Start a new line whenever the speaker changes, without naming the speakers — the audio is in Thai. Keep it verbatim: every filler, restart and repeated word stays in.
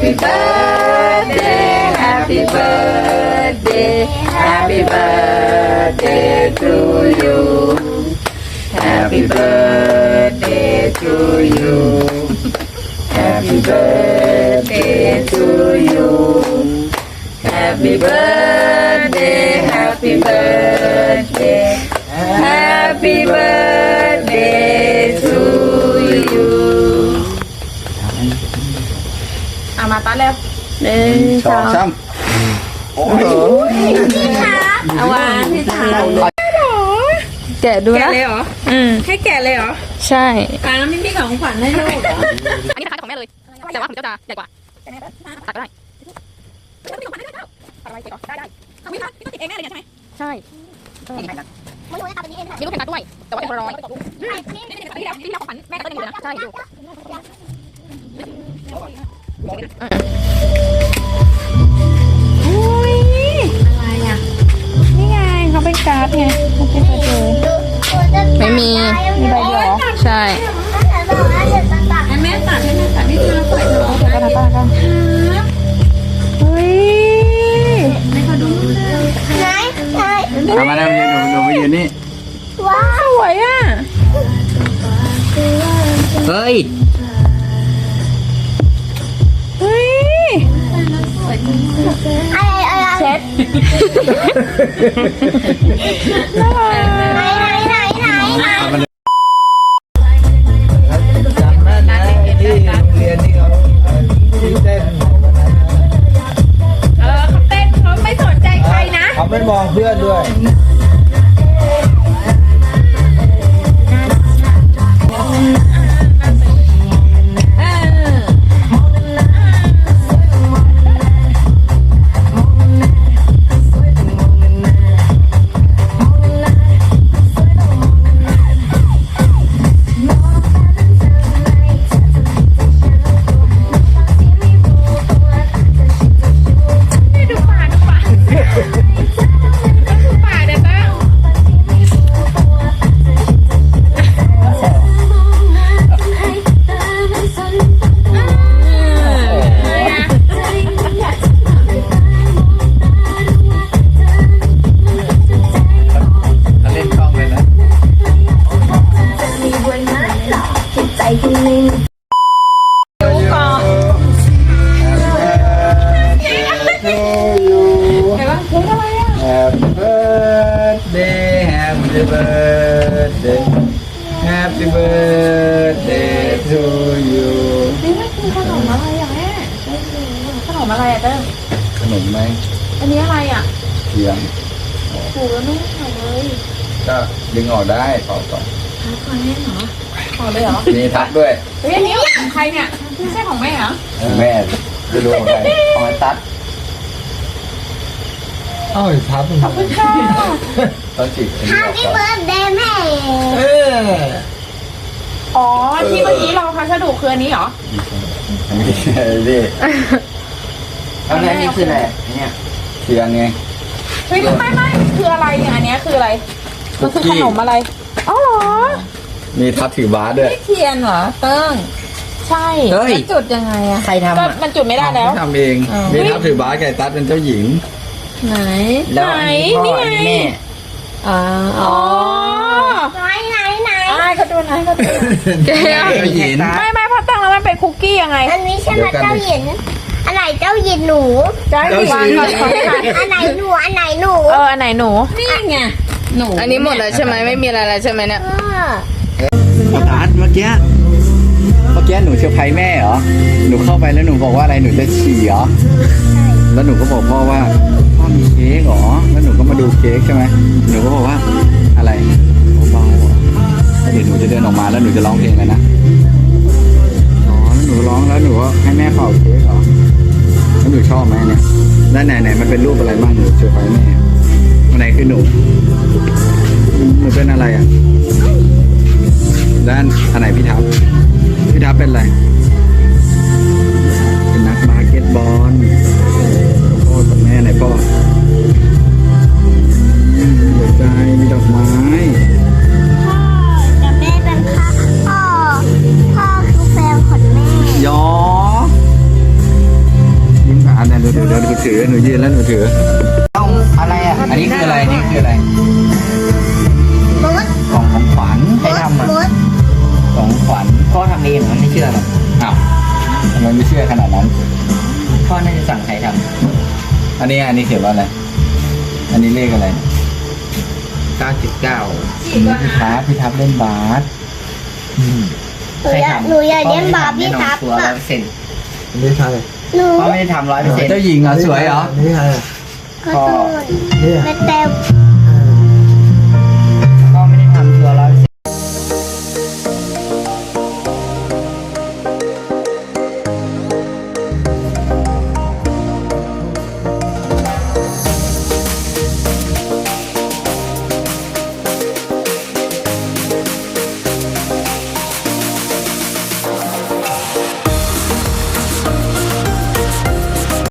Happy birthday Happy birthday Happy birthday to you Happy birthday to you Happy birthday to you Happy birthday Happy birthday Happy birthday to you เอามาต้อนแล้วหนึ่งสองสามโอ้โหเอาวางที่ถาแกะดูนะแกะเลยเหรออืมให้แกะเลยเหรอใช่ป้าไม่มีของขวัญให้ลูกเหรออันนี้คล้ายของแม่เลยแต่ว่าของเจ้าจะใหญ่กว่าตัดก็ได้ไม่มีของขวัญให้ด้วยตัดอะไรเก็บก่อนได้ได้เอาไม่ตัดไม่ต้องติดเองแน่เลยใช่ไหมใช่ไม่รู้จะทำแบบนี้เองค่ะมีลูกแข่งตัดด้วยแต่ว่าเป็นคนร้อยนี่นี่นี่ที่แล้วที่แล้วของขวัญแม่ก็ต้นหนึ่งเลยนะใช่ดูอุ้ยอะไรอ่ะนี่ไงเขาเป็นการ์ดไงเขาเป็นการ์ดไม่มีมีใบเดียวใช่ให้แม่ตัดให้แม่ตัดให้เธอใส่เธอเอาไปกันป้ากันเฮ้ยไม่ขอดูไหนไหน
เอามาแล้วยืนดูดูไปยืนนี่
ว้าวสวยอ่ะ
เฮ้ย
เฮ้ยอะไรอะไรเช็ดไหนไหนไหนไหนไหน
จำแม่นะที่เรียนที่เขาที่เต้น
เออเขาเต้นเขาไม่สนใจใครนะ
เขาไม่มองเพื่อนด้วยHappy birthday to you
นี่มันคือขนมอะไรอ่ะแม่ขนมอะไรอ่ะเต้ม
ขนมไหม
อันนี้อะไรอ่ะ
เทียม
ถูแล้วนุ่มเลย
ก็ดึงออกได้ต่อต่อ
ทับมาแม่เหรอขอเลยเหรอ
มีทับด้วย
เฮ้ยอันนี้ของใครเนี่ยไม่ใช่ของแม่เหรอ
แม่ไม่รู้ของใครของไอ้ตั๊ดอ้าวทับ
ขอบคุณค่ะ
ตอนจีบ
Happy birthday แม่
เออ
อ๋อที่เมื่อกี้เราพัสดุคืออันนี้เหรอ
ไม่ใช่ดิอันนี้คืออะไรเนี่ยเทียนไง
เฮ้ยไม่ไม่คืออะไรเนี่ยอันนี้คืออะไรมันคือขนมอะไรอ๋อเหรอ
มีทับถือบาสด้วย
ไม่เทียนเหรอเติ้งใช่มันจุดยังไงอะ
ใครทำ
ก็มันจุดไม่ได้แล้ว
ทำเองมีทับถือบาสไก่ตั๊ดเป็นเจ้าหญิง
ไหน
ไหนนี่ไง
อ๋ออ๋อไหนไหนไหนเขาดูไหนเขาดูเจ้าหญิงไม่ไม่พอตั้งแล้วมันเป็นคุกกี้ยังไงอันนี้ใช่ไหมเจ้าหญิงอันไหนเจ้าหญิงหนูเจ้าหญิงอันไหนหนูอันไหนหนูเอออันไหนหนูนี่ไงหนูอันนี้หมดแล้วใช่ไหมไม่มีอะไรแล้วใช่ไหมเนี่ย
ตั๊ดเมื่อกี้เมื่อกี้หนูเซอร์ไพรส์แม่เหรอหนูเข้าไปแล้วหนูบอกว่าอะไรหนูจะฉี่เหรอแล้วหนูก็บอกพ่อว่าพ่อมีเค้กเหรอแล้วหนูก็มาดูเค้กใช่ไหมหนูก็บอกว่าอะไรเบาๆเหรอเดี๋ยวหนูจะเดินออกมาแล้วหนูจะร้องเพลงเลยนะอ๋อแล้วหนูร้องแล้วหนูก็ให้แม่เป่าเค้กเหรอแล้วหนูชอบไหมเนี่ยด้านไหนไหนมันเป็นรูปอะไรบ้างหนูเซอร์ไพรส์แม่อันไหนคือหนูหนูเป็นอะไรอ่ะด้านอันไหนพี่ทับพี่ทับเป็นอะไรเป็นนักบาสเกตบอลพ่อกับแม่ไหนพ่อหัวใจมีดอกไม้
พ่อกับแม่เป็นพ่อพ่อพ่อคือแฟนของแม่
ยอดี๋ยวหนูถือหนูยืนแล้วหนูถือต้องอะไรอ่ะอันนี้คืออะไรนี่คืออะไร
มด
กล่องของขวัญ
ม
ใคร
ด
ทำอ่ะ
มด
กล่องของขวัญ
พ่อทำเองเหรอไม่เชื่อหรอก
อ้าวทำไมไม่เชื่อขนาดนั้น
พ่อน่าจะสั่งใครท
อันนี้อันนี้เขียนว่าอะไรอันนี้เลขอะไร
ำเก้าจุดเก้า
พี่ทับพี่ทับเล่นบาส
หนูอยากหนูอยากเลี้ยงบาร์บี้ทับ
ตัวร้อ
อ่ะ
ยเปอร์เซ็นต์
นี่ใคร
หนู
พ่อไม่ได้ทำร้อยเปอร์เซ็นต์
เจ้าหญิงเหรอสวยเหรอ
นี่ใคร
ก็คือแม่แต่